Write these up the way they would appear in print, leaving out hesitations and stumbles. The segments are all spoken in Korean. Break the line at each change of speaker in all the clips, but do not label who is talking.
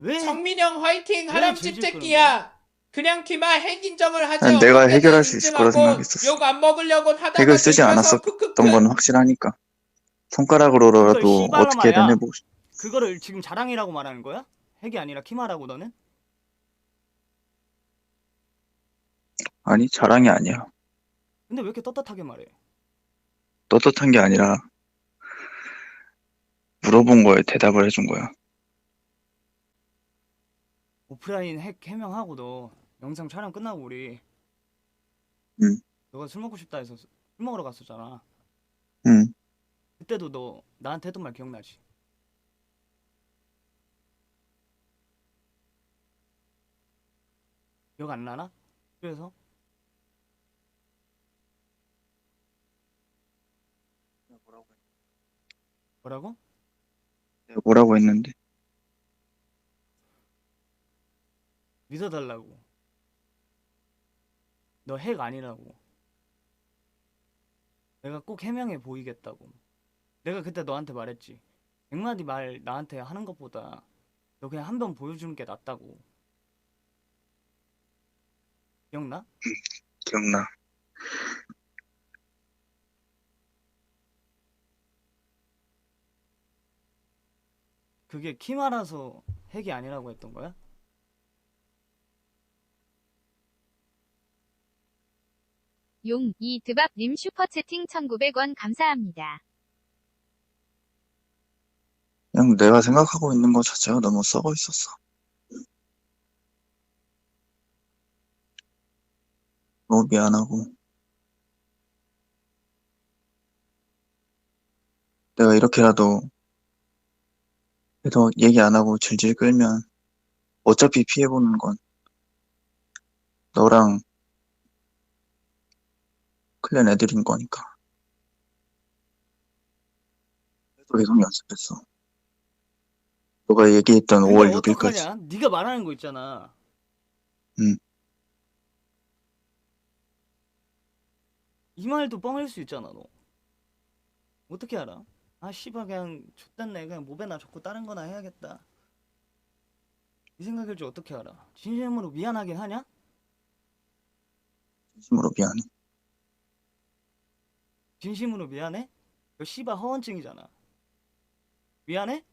왜?
성민형 화이팅
왜
하람
질질 끄는 거야?
집새끼야. 그냥 키마 핵 인정을 하지
난 내가
어떻게든
해결할 수 있을 거라
인증하고
생각했었어.
욕 안 먹으려고
핵을
하다가
쓰지
들켜서
않았었던 건
크크크.
확실하니까.
그걸
손가락으로라도 어떻게든
씨발로마야.
해보고 싶어.
그거를 지금 자랑이라고 말하는 거야? 핵이 아니라 키마라고 너는?
아니, 자랑이 아니야.
근데 왜 이렇게 떳떳하게 말해?
떳떳한 게 아니라 물어본 거에 대답을 해준 거야.
오프라인 핵 해명하고 너 영상 촬영 끝나고 우리
응,
너가 술 먹고 싶다 해서 술 먹으러 갔었잖아.
응.
그때도 너 나한테 했던 말 기억나지? 기억 안 나나? 그래서 뭐라고?
내가 뭐라고 했는데?
믿어달라고. 너 핵 아니라고. 내가 꼭 해명해 보이겠다고. 내가 그때 너한테 말했지. 100마디 말 나한테 하는 것보다 너 그냥 한 번 보여주는 게 낫다고. 기억나?
기억나.
그게 키마라서 핵이 아니라고 했던 거야?
용, 이드밥님 슈퍼채팅 1900원 감사합니다.
그냥 내가 생각하고 있는 것 자체가 너무 썩어 있었어. 너무 미안하고. 내가 이렇게라도 해서 얘기 안 하고 질질 끌면 어차피 피해보는 건 너랑 클랜 애들인 거니까. 그래서 계속 연습했어. 너가 얘기했던
근데
5월 6일까지.
어떡하냐? 네가 말하는 거 있잖아.
응.
이 말도 뻥일 수 있잖아, 너. 어떻게 알아? 아, 씨발 그냥 좆됐네. 그냥 모베나 적고 다른 거나 해야겠다. 이 생각일 줄 어떻게 알아? 진심으로 미안하긴 하냐?
진심으로 미안해.
진심으로 미안해? 이거 씨발 허언증이잖아. 미안해?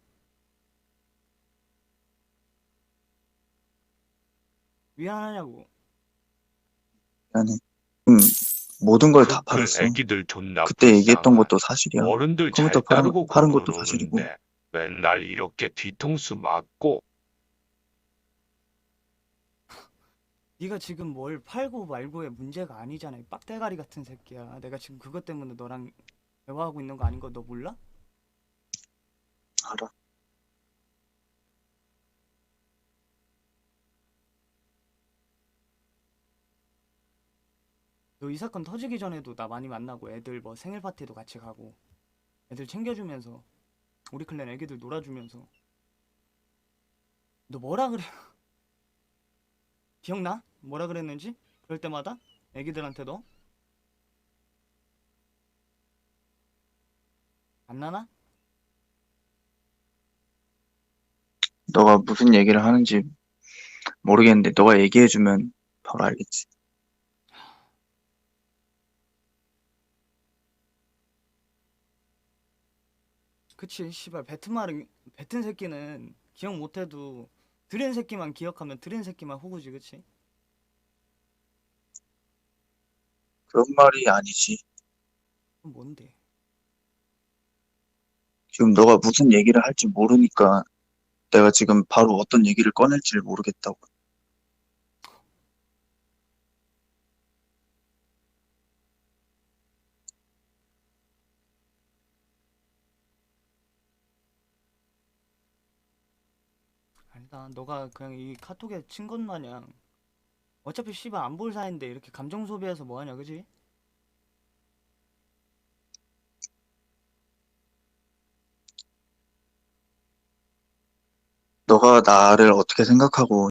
미안하냐고.
미안해. 응. 모든 걸 다
그
팔았어.
애기들 존나
그때 얘기했던
불쌍한.
것도 사실이야.
어른들
컴퓨터
잘 따르고
파는 것도 사실이고.
그러는데 맨날 이렇게 뒤통수 맞고.
네가 지금 뭘 팔고 말고의 문제가 아니잖아. 이 빡대가리 같은 새끼야. 내가 지금 그것 때문에 너랑 대화하고 있는 거 아닌 거 너 몰라?
알아.
너 이 사건 터지기 전에도 나 많이 만나고 애들 뭐 생일 파티도 같이 가고 애들 챙겨주면서 우리 클랜 애기들 놀아주면서 너 뭐라 그래? 기억나? 뭐라 그랬는지? 그럴 때마다 애기들한테 너? 안 나나?
너가 무슨 얘기를 하는지 모르겠는데 너가 얘기해주면 바로 알겠지.
그치 씨발 뱉은 새끼는 기억 못해도 들은 새끼만 기억하면 들은 새끼만 호구지 그치?
그런 말이 아니지.
그럼 뭔데?
지금 너가 무슨 얘기를 할지 모르니까 내가 지금 바로 어떤 얘기를 꺼낼지를 모르겠다고.
아니다 너가 그냥 이 카톡에 친 것 마냥 어차피 씨발 안 볼 사이인데 이렇게 감정 소비해서 뭐하냐 그지?
너가 나를 어떻게 생각하고